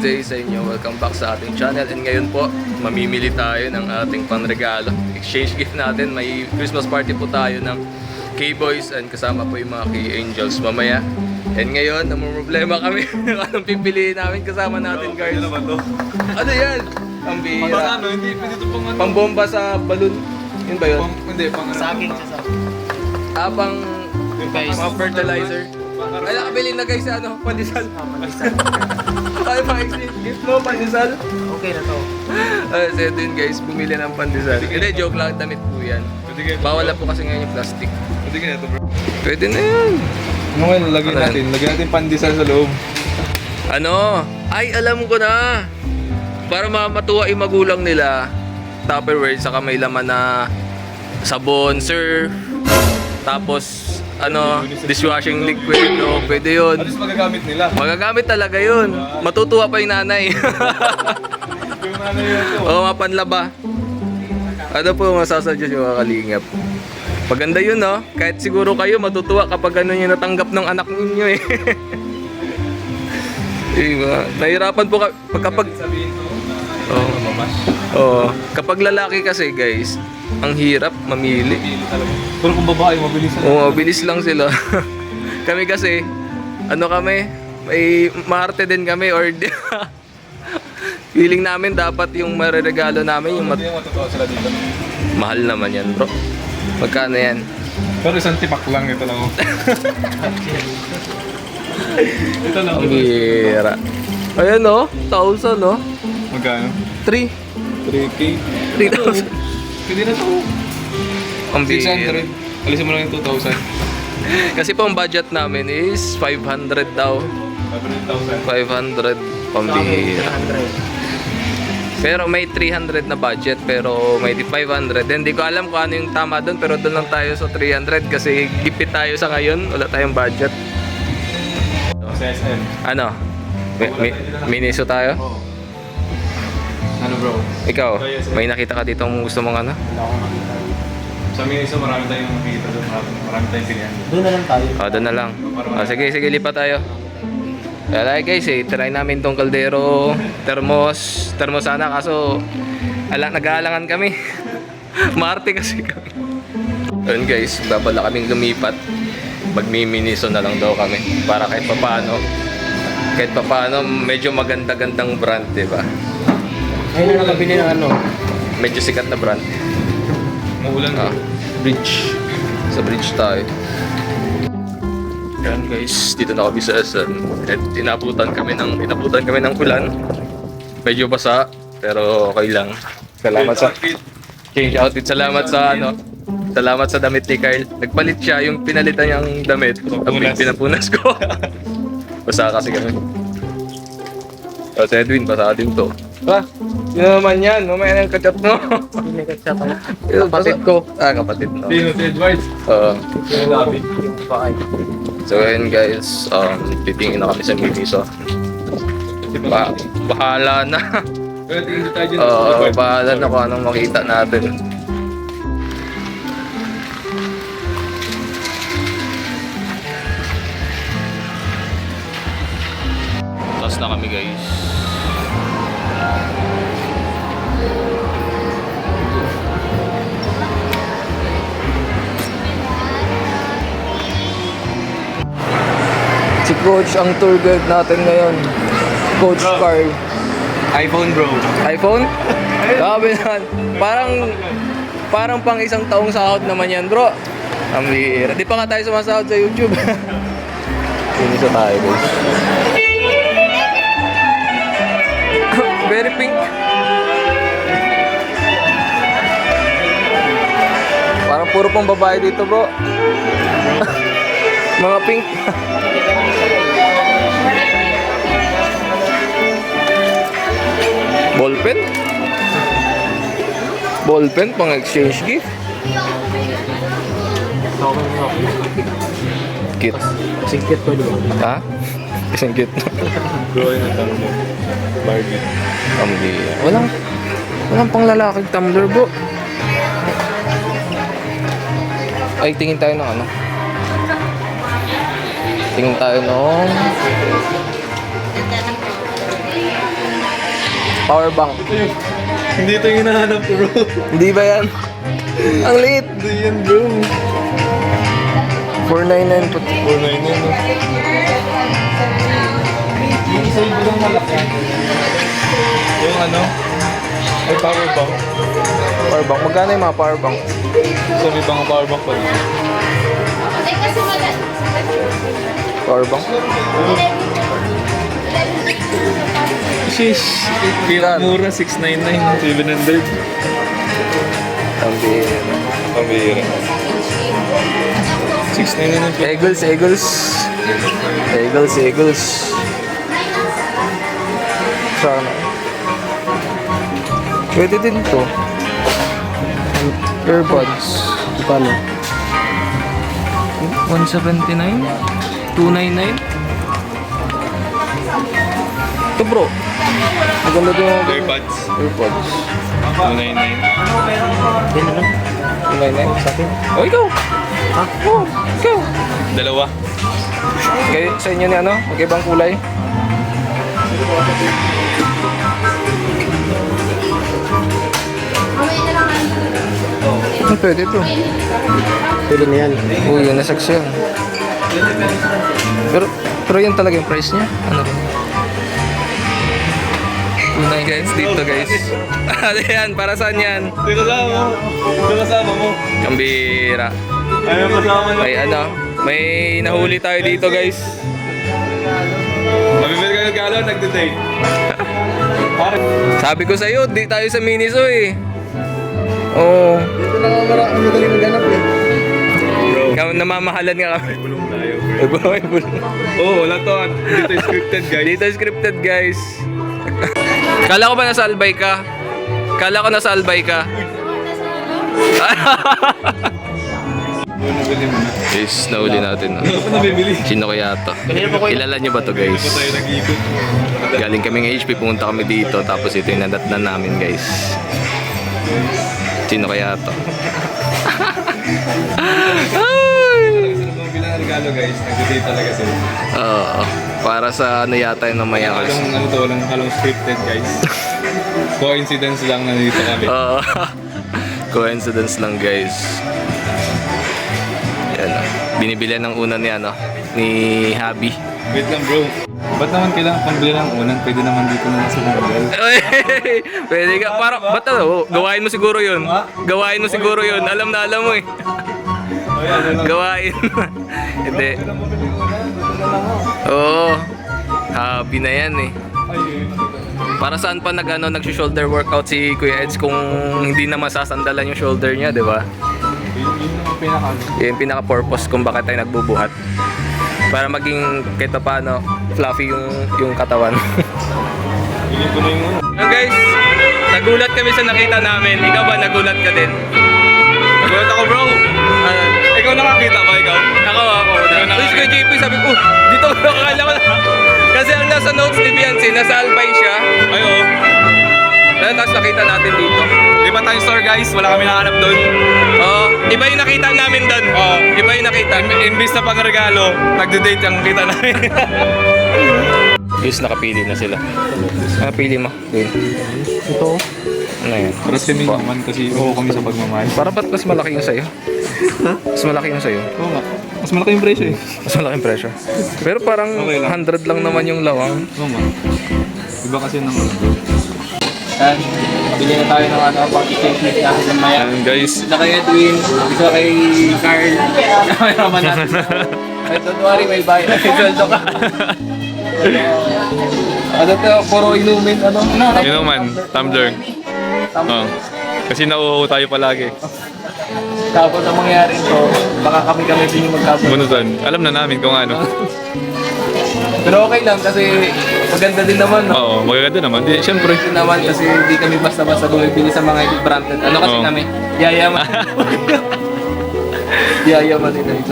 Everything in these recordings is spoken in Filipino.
day sa inyo. Welcome back sa ating channel. And ngayon po, mamimili tayo ng ating panregalo. Exchange gift natin. May Christmas party po tayo ng K-Boys and kasama po yung mga K-Angels mamaya. And ngayon, namumroblema kami anong pipiliin namin kasama natin, guys. Ano yan? Ang bihira. Ano, hindi pwede ito pang ano. Pambomba sa balon. Yun ba yun? Hindi, pang ano. Saging sa saging. Pang Guys, mga fertilizer. Ay, nakabili na guys sa ano, pandesal. Ay, mga exchange gift mo, pandesal. okay na to. So ito yun guys, bumili ng pandesal. Hindi, joke lang, damit po yan. Bawal na po kasi ngayon yung plastic. Pwede ka na ito, bro. Pwede na yan. Ano ngayon, lagyan Ano natin. Lagyan natin pandesal sa loob. Ano? Ay, alam ko na. Para matuwa yung magulang nila, Tupperware, saka may laman na sabon, surf, tapos ano, dishwashing liquid, o pwede yun. At least magagamit nila. Magagamit talaga yun. Matutuwa pa yung nanay. Yung ano yun ito. Oo, mapanlaba. Ano po masasadya yung mga kalingap? Paganda yun, no? Kahit siguro kayo matutuwa kapag ano yung natanggap ng anak ninyo eh. Diba? Nahirapan po kapag... Sabihin ko na Oo. mamash. Oo. Kapag lalaki kasi guys, ang hirap mamili. Pili talaga. Pero kung babae, mabilis na. Oo, mabilis lang sila. Kami kasi, ano kami, may maarte din kami or feeling namin dapat yung mareregalo namin yung Hindi yung matutuwa sila dito. mahal naman yan, bro. Magkano yan? Pero isang tipak lang, ito lang. Ito lang. Ang bira. Ayan oh, 1,000 oh. Magkano? 3. 3K? 3,000. Pwede na ito. Ang bira. 600. Alisin mo lang yung 2,000. Kasi po ang budget namin is 500 daw. 500,000. 500 pambihira. Pero may 300 na budget pero may 500. Hindi ko alam kung ano yung tama doon pero doon lang tayo sa 300 kasi gipit tayo sa ngayon. Wala tayong budget. Sa SM. Ano? Miniso tayo? Oo. Ano bro? Ikaw, may nakita ka dito kung gusto mong ano? Wala akong makita. Sa Miniso, marami tayong makikita doon. Marami tayong pilihan. Doon na lang tayo. O, doon na lang. O, sige, lipat tayo. Kaya guys, try namin tong kaldero, thermos sana kaso nag-aalangan kami. Marte kasi kami. Ayun guys, babala kaming lumipat. Magmiminiso na lang daw kami para kahit papaano medyo maganda-gandang brand, di ba? Ngayon na nakabili ng ano. Medyo sikat na brand. Maulan Ah, bridge. Sa bridge tayo. Yan guys, dito na kami sa SM. At inabutan kami ng ulan. Medyo basa, pero okay lang. Salamat sa change outfit. Salamat sa ano. Salamat sa damit ni Kyle. Nagpalit siya yung pinalitan niyang damit. Pinapunas ko. Basa kasi kami. O, si Edwin, basa din to. Sino naman yan? Mamaya na yung kachat mo. Hindi may kachat ako. Kapatid ko. Kapatid mo. Dino, si Edward. Oo. Yung labi. Yung bakay. So ayun guys, titingin na kami sa Miniso. Bahala na. Pero tingin tayo dyan. Bahala na kung anong makita natin. Tapos na kami guys. Si Coach ang tour guide natin ngayon. Coach Carl. iPhone bro. iPhone? Sabi naman. Parang pang isang taong sahod naman yan, bro. Ang bihira. Di pa nga tayo sumasahod sa YouTube. Sinisa tayo, guys. Very pink. Parang puro pang babae dito, bro. Mga pink. Ballpen? Ballpen pang exchange gift? Cute. Singkit ko doon. Ha? Isang cute. Bro, yun ang tanong mo. Barbie. Walang pang lalaking tumbler, bro. Ay, tingin tayo ng ano. Tingin tayo ng Power bank. Hindi ito yung hinahanap ko, bro. Hindi ba yan? Ang liit. Hindi yan, bro. 499 po. 499, no? Yung isa yung malaki. Yung ano? Ay, power bank. Power bank. Magkano yung mga power bank? So, may bang power bank pa dito? Power bank? Sheesh. Kaya mura, 699, 700. Ang bihira. Pabira. 699 yung Eagles, Eagles. Eagles, Eagles. Sana. Pwede din to. Earbuds. Paano? 179? 299? Ito bro. Maganda din yung AirPods. earbuds. 299. Yan na lang. 299 sa akin. Oh, ikaw! Ha? Oh, ikaw! Dalawa. Kayo, sa inyo ni ano? Magkaibang kulay? Ah, pwede ito. Pwede na yan. Uy, yun, nasaks yan. Pero yun talaga yung price niya. Ano rin? Unay guys, dito guys. Ano yan? Para saan yan? Dito kasama mo. Dito kasama mo. Kambira. Ayaw kasama mo. May ano? May nahuli tayo dito guys. Mabibili ka ng galo, nagde-date. Pare. Sabi ko sa'yo, di tayo sa Miniso eh. Oo. Ito na nga ang madali maghanap eh. Bro. Namamahalan nga kami. Bulong tayo. May bulong. Oo, wala to. Dito is scripted, guys. Dito scripted guys. Kala ko ba nasa Albay ka? Kala ko nasa Albay ka. Ano nabili mo na? Guys, nahuli natin. No? Ano pa nabibili? Sino kaya to? Kilala nyo ba to guys? Ano pa tayo nag-iikot? Galing kaming HP, pumunta kami dito. Tapos ito yung nadatnan namin guys. Sino kaya to? Gusto na bumili ng regalo, guys. Nagde-date talaga sila. Oo. Para sa ano yata yung namaya kasi. Ano to, walang scripted, guys. Coincidence lang na dito kami. Oo. Coincidence lang guys. Yan. Binibilihan ng una ni ano, ni Habi. Wait lang, bro. Ba't naman kailangan pambili ng unan? Pwede naman dito na sa Google. Pwede ka, para, ba't ano? Gawain mo siguro yun. Gawain mo siguro yun. Alam na alam mo eh. Ay, ano lang. Gawain. Hindi. Pwede lang bumili ng unan. Ito na lang ako. Oo. Habi na yan eh. Ay, yun. Para saan pa nag-shoulder workout si Kuya Eds kung hindi na masasandalan yung shoulder niya, di ba? Yun ang pinaka. Yun yung pinaka-purpose kung bakit tayo nagbubuhat. Para maging kahit pa paano fluffy yung katawan. Bili ko na yung unan. Yung guys, nagulat kami sa nakita namin. Ikaw ba nagulat ka din? Nagulat ako, bro. Ikaw nakakita ba, ikaw? Ako. Uy, si Kuya JP, sabi ko, dito ko akala ko na. Kasi ang nasa notes ni Biancy, nasa Albay siya. Ay, oo. Tapos nakita natin dito. Iba tayong store, guys. Wala kami nakahanap doon. Oo, iba yung nakita namin doon. Oo. Iba yung nakita. Imbis na pang regalo, nagde-date ang kita namin. Yes, nakapili na sila. Nakapili mo? Yun. Ito. Ano yan? Paras kami naman kasi oo kami sa pagmamahal. Para ba't mas malaki yung sa'yo? Mas malaki yung sa'yo? Oo nga. Mas malaki yung presyo eh. Mas malaki yung pressure. Pero parang Okay lang. 100 lang naman yung lawang. Oo nga. Iba kasi ng Yan. Bili na tayo ng ano, pang i-technique natin ng maya. Ayan, guys. Isa kay Edwin, isa kay Carl. May raman natin. Ay, don't worry, may bayad. May sweldo ka. Ano to, puro inumin, ano? Yun naman, tumbler. Oo. Kasi nauuho tayo palagi. Tapos ang mangyari to, baka kami din yung magkabot. Bunutan. Alam na namin kung ano. Pero okay lang kasi maganda din naman, no? Oo, magaganda naman. Di, syempre. Din naman kasi hindi kami basta-basta bumibili sa mga branded. Ano kasi Oo. kami? Yayaman. Yayaman din eh. So,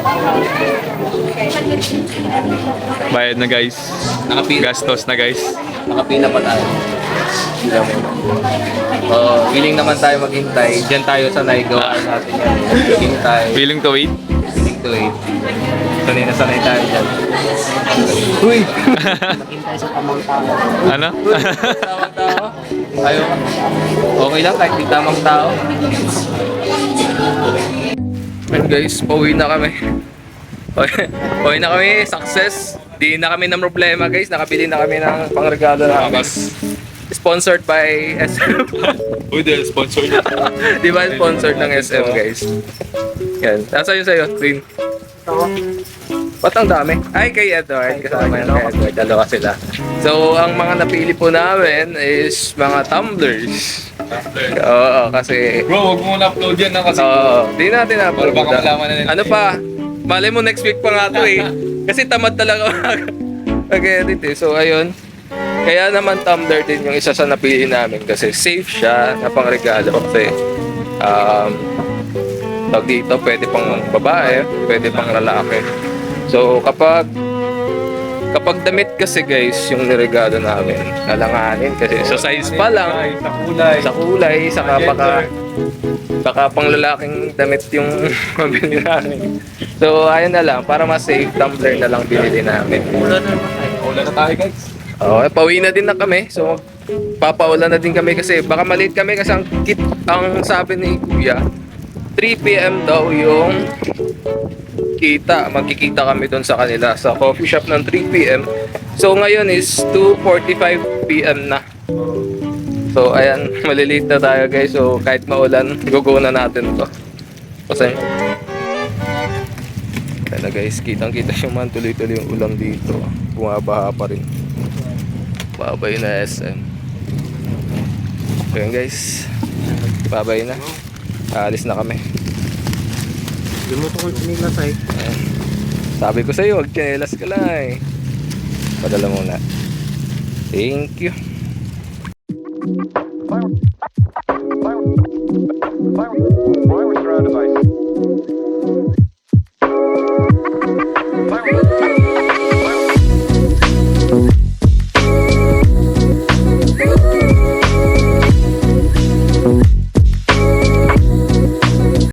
Bayad na guys. nakapila, Gastos na guys. nakapila pa tayo. Hindi kami. Willing naman tayo maghintay. Diyan tayo sa Naigawa natin yan. Hintay. Willing to wait? Willing to wait. Sanay na sanay tayo dyan. Uy! Hintay sa tamang tao. Ano? Tamang tao. Ayaw. Okay lang kahit di tamang tao. And guys, pauwi na kami. Pauwi na kami, success. Di na kami ng problema guys, nakabili na kami ng pangregalo namin. Sponsored by SM. Uy, dahil sponsor niya. Di ba sponsored ng SM guys? Yan. Nasa yun sa'yo, Green? Ba't ang dami? Ay, kay Edward. Kasama yan kay Edward. Dalawa sila. So, ang mga napili po namin is mga tumblers. Oo, kasi... Bro, wag mo na-upload yan na kasi. Oo, di natin na. Para baka malaman na nila. Ano pa? Malay mo next week pa nga to eh. Kasi tamad talaga mag-edit eh. So, ayun. Kaya naman tumbler din yung isa sa napili namin kasi safe siya na pangregalo kasi tawag dito, pwede pang babae, pwede pang lalaki. So kapag damit kasi guys yung niregalo namin, nalanganin kasi sa size pa lang, Sa kulay. saka baka pang lalaking damit yung mabili namin. So ayun na lang, para mas safe, tumbler na lang binili namin. Ulan na tayo guys. Oh, pauwi na din na kami. So, papaulan na din kami kasi baka maliit kami kasi ang sabi ni Kuya, 3 PM daw yung magkikita kami doon sa kanila sa coffee shop ng 3 PM. So, ngayon is 2:45 PM na. So, ayan, maliliit na tayo guys. So, kahit maulan, go na natin to. Kasi, ayan na guys, kitang-kita yung man tuloy-tuloy yung ulan dito. Bumabaha pa rin. Babay na SM. So yun guys, babay na. Aalis na kami. Yung mo tukol sinilas ay. Ayan. Sabi ko sa'yo, wag chinelas ka lang eh. Padala muna. Thank you.